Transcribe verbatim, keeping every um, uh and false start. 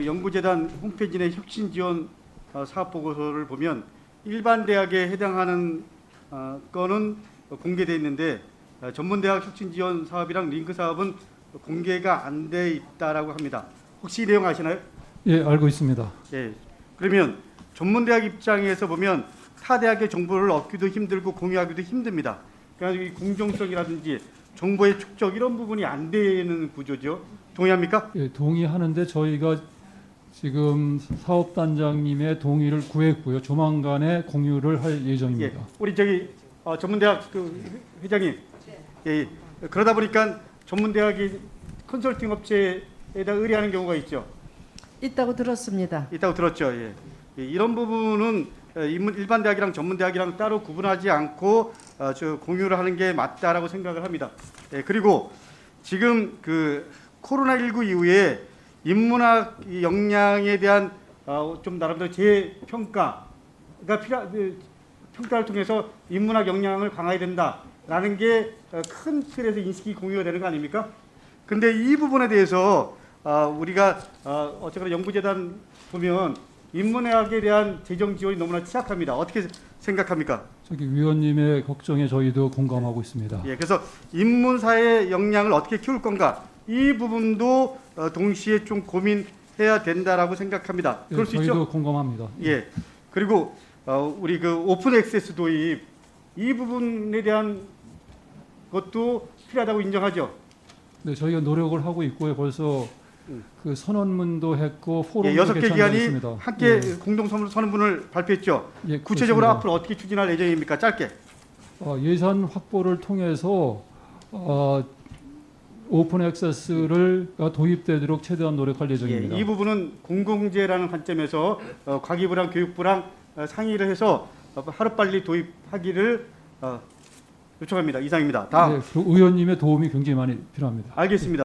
연구재단 홈페이지 내 혁신 지원 어, 사업 보고서를 보면 일반 대학에 해당하는 어, 건은 공개되어 있는데 어, 전문대학 혁신 지원 사업이랑 링크 사업은 공개가 안 돼 있다라고 합니다. 혹시 이 내용 아시나요? 예, 알고 있습니다. 예. 그러면 전문대학 입장에서 보면 타 대학의 정보를 얻기도 힘들고 공유하기도 힘듭니다. 그러니까 이 공정성이라든지 정보의 축적 이런 부분이 안 되는 구조죠. 동의합니까? 예, 동의하는데 저희가 지금 사업단장님의 동의를 구했고요. 조만간에 공유를 할 예정입니다. 예. 우리 저기 어, 전문대학 그 회장님. 예, 예. 그러다 보니까 전문대학이 컨설팅 업체에다 의뢰하는 경우가 있죠. 있다고 들었습니다. 있다고 들었죠. 예. 예, 이런 부분은 어, 인문- 일반 대학이랑 전문대학이랑 따로 구분하지 않고 어, 저 공유를 하는 게 맞다라고 생각을 합니다. 예, 그리고 지금 그 코로나십구 이후에 인문학 이 역량에 대한 어, 좀 나름대로 재평가가 필요, 그 평가를 통해서 인문학 역량을 강화해야 된다라는 게 큰 틀에서 인식이 공유가 되는 거 아닙니까? 근데 이 부분에 대해서 어, 우리가 어, 어쨌거나 연구재단 보면 인문학에 대한 재정 지원이 너무나 취약합니다. 어떻게 생각합니까? 저기 위원님의 걱정에 저희도 공감하고 있습니다. 예, 그래서 인문사의 역량을 어떻게 키울 건가 이 부분도 어, 동시에 좀 고민해야 된다라고 생각합니다. 예, 그럴 수 저희도 있죠? 공감합니다. 예. 그리고 어, 우리 그 오픈 액세스 도입 이 부분에 대한 것도 필요하다고 인정하죠. 네, 저희가 노력을 하고 있고요. 벌써 음. 그 선언문도 했고 예, 포럼도 여섯 개 기관이 개최했습니다. 함께 예, 공동 선언문을 발표했죠. 예, 구체적으로 그렇습니다. 앞으로 어떻게 추진할 예정입니까? 짧게. 어, 예산 확보를 통해서 어, 오픈 액세스를 도입되도록 최대한 노력할 예, 예정입니다. 이 부분은 공공재라는 관점에서 어, 과기부랑 교육부랑 어, 상의를 해서 어, 하루빨리 도입하기를 어, 요청합니다. 이상입니다. 다음. 네, 그 의원님의 도움이 굉장히 많이 필요합니다. 알겠습니다.